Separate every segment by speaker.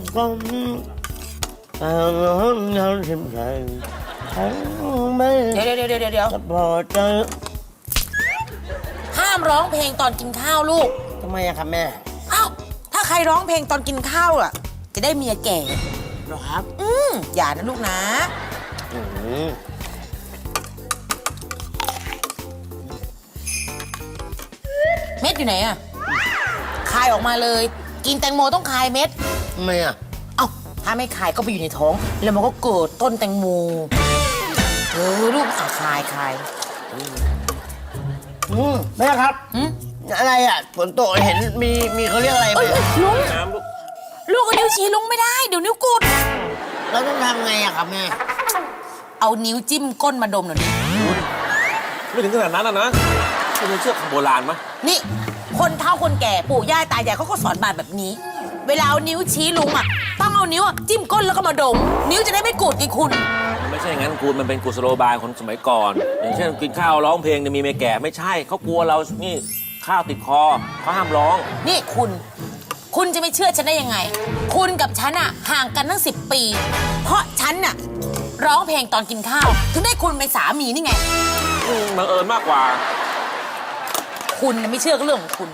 Speaker 1: ก็ชิมใจไม่
Speaker 2: เดี๋ยว
Speaker 1: พอใจ
Speaker 2: ห้ามร้องเพลงตอนกินข้าวลูก
Speaker 1: ทำไมอะครับแม่
Speaker 2: อ้าวถ้าใครร้องเพลงตอนกินข้าวอ่ะ จะได้เมียแก่
Speaker 1: หรอครับ
Speaker 2: อย่านะลูกนะ
Speaker 1: อืม
Speaker 2: เม็ดอยู่ไหนอ่ะคายออกมาเลย กินแตงโมต้องคายเม็ด
Speaker 1: ทำไมอะ
Speaker 2: เอ้าถ้าไม่คายก็ไปอยู่ในท้อง แล้วมันก็เกิดต้นแตงโมลูกคาย
Speaker 1: แม่ครับ
Speaker 2: อืม
Speaker 1: อะไรอะฝนตกเห็นมีเขาเรียกอะไรไหม
Speaker 2: ลุง
Speaker 3: น้ำลูก
Speaker 2: ลูกเอานิ้วชี้ลุงไม่ได้ เดี๋ยวนิ้วกุด
Speaker 1: เราต้องทำไงอะครับแม่
Speaker 2: เอานิ้วจิ้มก้นมาดมหน่อยดิ
Speaker 3: ไม่ถึงขนาดนั้นนะคุณเชื่อคำโบราณไหม
Speaker 2: นี่ คนเฒ่าคนแก่ปู่ย่าตายายเขาก็สอนบาดแบบนี้ เวลาเอานิ้วชี้ลุงอ่ะต้องเอานิ้วจิ้มก้นแล้วก็มาดม นิ้วจะได้ไม่กุดไงคุณ
Speaker 3: ไม่ใช่งั้นคุณมันเป็นกุศโลบายคนสมัยก่อน อย่างเช่นกินข้าวร้องเพลงเนี่ยมีเมียแก่ไม่ใช่เขากลัวเรานี่ข้าวติดคอเขาห้ามร้อง
Speaker 2: นี่คุณจะไม่เชื่อฉันได้ยังไง คุณกับฉันอะห่างกันตั้ง10 ปี เพราะฉันน่ะร้องเพลงตอนกินข้าว ถึงได้คุณเป็นสามีนี่ไง
Speaker 3: บังเอิญมากกว่า
Speaker 2: คุณน่ะไม่เชื่อก็เรื่องของคุณ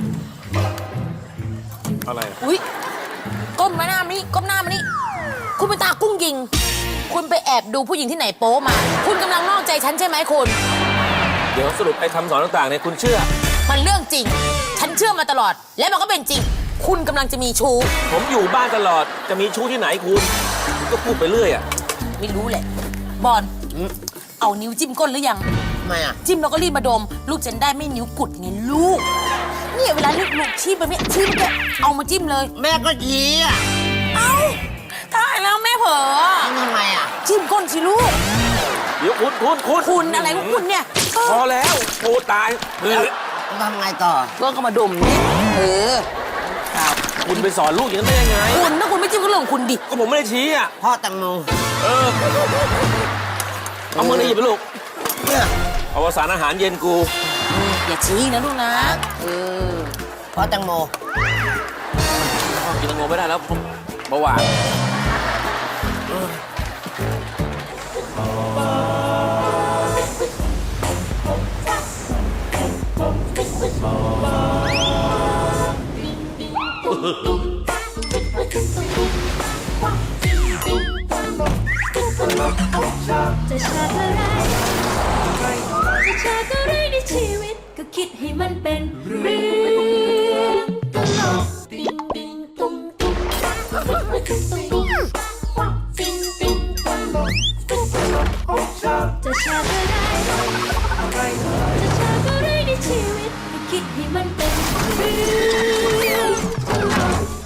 Speaker 3: อะไร
Speaker 2: อุ๊ยก้มหน้ามานี่ก้มหน้ามานี่คุณเป็นตากุ้งยิง คุณไปแอบดูผู้หญิงที่ไหนโป๊มา คุณกำลังนอกใจฉันใช่ไหมคุณ
Speaker 3: เดี๋ยวสรุปไอ้คำสอนต่างๆเนี่ยคุณเชื่อ
Speaker 2: มันเรื่องจริง ฉันเชื่อมาตลอด และมันก็เป็นจริง คุณกำลังจะมีชู้
Speaker 3: ผมอยู่บ้านตลอดจะมีชู้ที่ไหนคุณก็พูดไปเรื่อยอ่ะ
Speaker 2: ไม่รู้แหละ บอลเอานิ้วจิ้มก้นหรือยัง
Speaker 1: ทำไมอะ
Speaker 2: จิ้มแล้วก็รีบมาดม ลูกจะได้ไม่นิ้วกุดไงลูกเนี่ยเวลาลูกชี้ไปเนี่ยชี้ไปเนี่ยเอามาจิ้มเลย
Speaker 1: แม่ก็ชี้อะ
Speaker 2: เอ้าตายแล้วแม่เผลอ
Speaker 1: ทำไมอะ
Speaker 2: จิ้มก้นสิลูก
Speaker 3: เดี๋ยวคุณ
Speaker 2: คุณอะไรของคุณเนี่ย
Speaker 3: พอแล้วโอ้ตายเฮ้ย
Speaker 1: ทำไงต่อ
Speaker 2: ก็มาดมเนี่ยครับ
Speaker 3: คุณไปสอนลูกอย่างนั้นได้ยังไง
Speaker 2: คุณถ้าคุณไม่จิ้มก็เรื่องของคุณดิ
Speaker 3: ก็ผมไม่ได้ชี้อ่ะ
Speaker 1: พ่อแตงโม
Speaker 3: เอามือหนีบไปลูก
Speaker 1: เนี่ย
Speaker 3: เอาสารอาหารเย็นกู
Speaker 2: อย่าชี้นะลูกนะอ
Speaker 1: พ่อแตงโม
Speaker 3: กินแตงโมไม่ได้แล้วเบาหวาน
Speaker 4: จะชาติอะไรจะชาติอะไรในชีวิตก็คิดให้มันเป็นเรื่องตลกปิงปิงตุ้งตุ้งปิงปิงตุ้งจะชาติอะไรจะชาติอะไรในชีวิตก็คิดให้มันเป็นเรื่องตลก